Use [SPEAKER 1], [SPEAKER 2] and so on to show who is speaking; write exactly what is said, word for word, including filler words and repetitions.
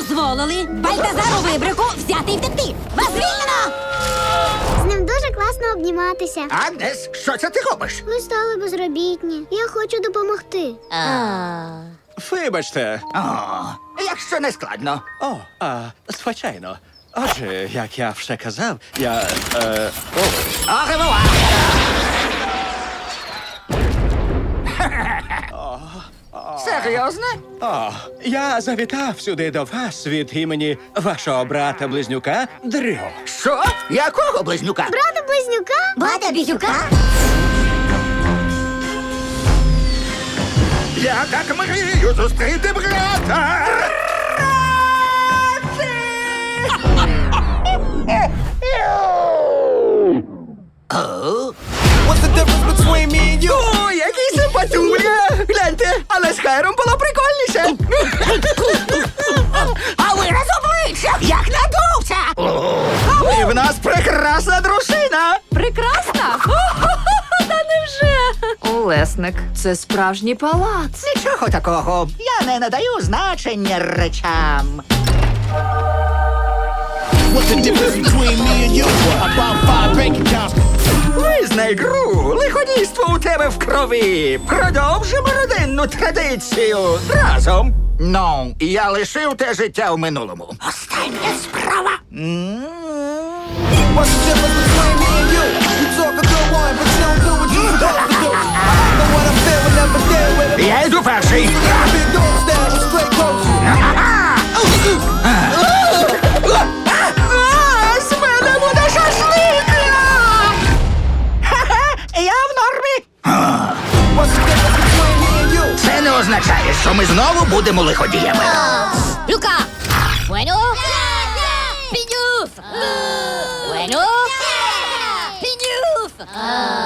[SPEAKER 1] дозволили Бальтазару Вибрику взяти і втекти. Вас звільнено!
[SPEAKER 2] З ним дуже класно обніматися.
[SPEAKER 3] Агнес, що це ти робиш?
[SPEAKER 2] Ми стали безробітні. Я хочу допомогти.
[SPEAKER 4] Вибачте.
[SPEAKER 3] О, якщо не складно.
[SPEAKER 4] О, а, звичайно. Отже, як я вже казав, я. Е, о,
[SPEAKER 3] Оревуар! Серйозно?
[SPEAKER 4] о, я завітав сюди до вас від імені вашого брата-близнюка Дрю.
[SPEAKER 3] Що? Якого близнюка?
[SPEAKER 2] Брата близнюка?
[SPEAKER 1] Бата Бізюка?
[SPEAKER 3] Я так мрію зустріти брата!
[SPEAKER 5] What's the difference between me and you?
[SPEAKER 3] О, який симпатюля! Гляньте, але з Хайром було прикольніше. А вираз обличчя, як надувся! І в нас прекрасна дружина!
[SPEAKER 6] Прекрасна? Та невже? Олесник, це справжній палац.
[SPEAKER 3] Нічого такого, я не надаю значення речам.
[SPEAKER 5] What's the difference between me and you? About five bank accounts.
[SPEAKER 3] Визнай гру, лиходійство у тебе в крові. Продовжимо родинну традицію разом. Ну, я лишив те життя в минулому. Остання справа. М.
[SPEAKER 5] What's the difference between me and you? You talk a good one, but you don't do what you supposed to do. I know what I'm feeling, never deal with it.
[SPEAKER 3] Я йду перший.
[SPEAKER 5] Big dog style with straight clothes.
[SPEAKER 3] А, з мене буде шашлик! Ха-ха, я в нормі.
[SPEAKER 5] What's the difference between me and you?
[SPEAKER 3] Це не означає, що ми знову будемо лиходіями.
[SPEAKER 1] Люка! Bueno? Пінюф! Bueno? Пінюф!